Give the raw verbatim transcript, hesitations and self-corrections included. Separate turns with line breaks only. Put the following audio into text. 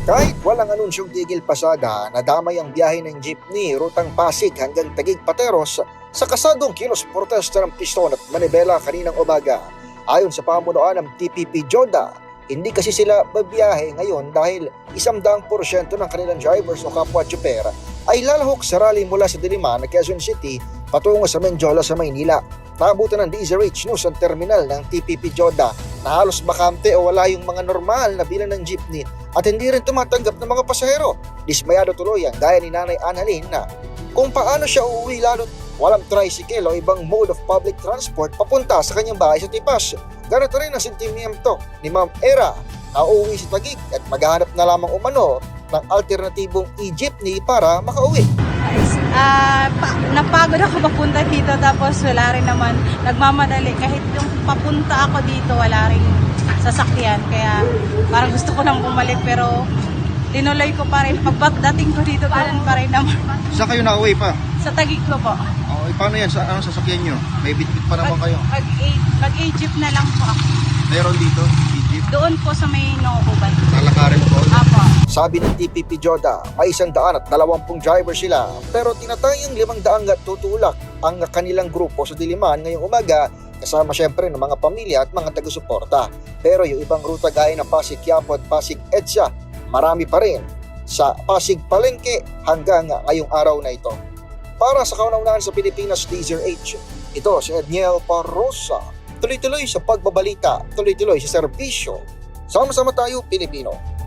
Kahit walang anunsyong tigil pasada, nadamay ang biyahe ng jeepney rutang Pasig hanggang Taguig Pateros sa kasadong kilos protesta ng piston at manibela kaninang umaga. Ayon sa pamunuan ng T P P Joda, hindi kasi sila babiyahe ngayon dahil isang daang porsyento ng kanilang drivers o kapwa tsuper ay lalahok sa rally mula sa Diliman, Quezon City patungo sa Menjola sa Maynila. Naabutan ng D Z R H News ang terminal ng T P P Joda na halos bakante o wala yung mga normal na bilang ng jeepney at hindi rin tumatanggap ng mga pasahero. Dismayado tuloy ang gaya ni Nanay Annalyn na kung paano siya uuwi lalo't walang tricycle o ibang mode of public transport papunta sa kanyang bahay sa Tipas. Ganito rin ang sentimiento ni Ma'am Era na uuwi sa Taguig at maghahanap na lamang umano ng alternatibong e-jeepney para makauwi.
Ah, pa, napagod ako papunta dito tapos wala rin naman nagmamadali kahit yung papunta ako dito wala rin sasakyan kaya parang gusto ko nang bumalik pero tinuloy ko pa rin pagdating ko dito ganun pa rin naman.
Saan kayo nauwi pa?
Sa Taguig ko po.
Oh, eh, paano yan? Sa, anong sasakyan nyo? May bitbit pa naman kayo.
Mag, mag mag-jeep na lang po ako.
Meron dito? E-jeep?
Doon po sa may Nookuban.
Lalakarin po?
Apo.
Sabi ng T P P Joda, may isang daan at dalawampung driver sila pero tinatayang limang daang at tutulak ang kanilang grupo sa Diliman ngayong umaga kasama syempre ng mga pamilya at mga taga-suporta. Pero yung ibang ruta gaya ng Pasig Quiapo at Pasig Edsa, marami pa rin sa Pasig Palengke hanggang ngayong araw na ito. Para sa kauna-unahan sa Pilipinas, D Z R H, ito si Edniel Parrosa. Tuloy-tuloy sa pagbabalita, tuloy-tuloy sa serbisyo. Sama-sama tayo, Pilipino.